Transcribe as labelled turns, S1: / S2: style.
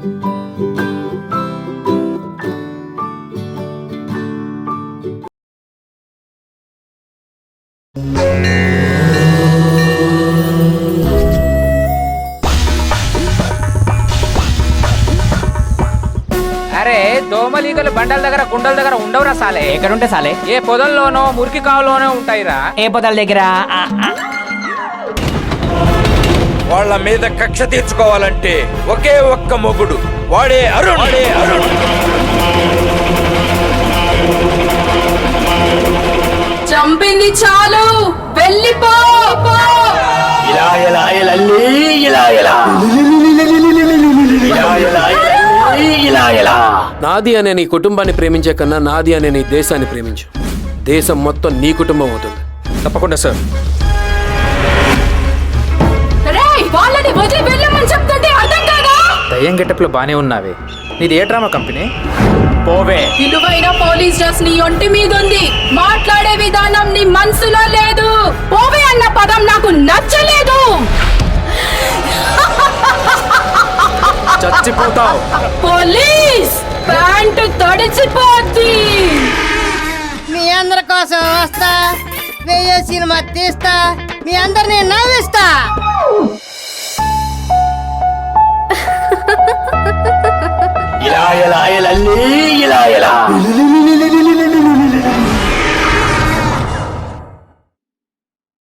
S1: అరే దోమలీగలు బండల దగ్గర గుండల దగ్గర ఉండవురా సాలే.
S2: ఎక్కడుంటే సాలే?
S1: ఏ పొదల్లోనో మురికి కావులోనే ఉంటాయిరా.
S2: ఏ పొదల దగ్గర?
S3: వాళ్ళ మీద కక్ష తీర్చుకోవాలంటే ఒకే ఒక్క మొగుడు, వాడే అరుణ్.
S4: చంపింది చాలు, వెళ్ళిపో.
S5: నాది అనే నీ కుటుంబాన్ని ప్రేమించే కన్నా నాది అనే నీ దేశాన్ని ప్రేమించు. దేశం మొత్తం నీ కుటుంబం అవుతుంది.
S1: తప్పకుండా సార్.
S4: వాళ్ళని వదిలి వెళ్ళమని చెప్తుంటే అర్థం కాదా?
S1: దయ్యం గెటప్లో బానే ఉన్నావే. నీది ఏ డ్రామా కంపెనీ? పోవే.
S4: విలువైన పోలీస్ డ్రెస్ నీ ఒంటి మీద ఉంది, మాట్లాడే విధానం నీ మనసులో లేదు. పోవే అన్న పదం నాకు నచ్చలేదు.
S5: చచ్చిపోతావు.
S4: Police pant తడిచిపోద్ది.
S6: మీ అందరి కోసం వస్తా, వెయ్యో సినిమా తీస్తా, మీ అందరినీ నవ్విస్తా.
S2: ఇలా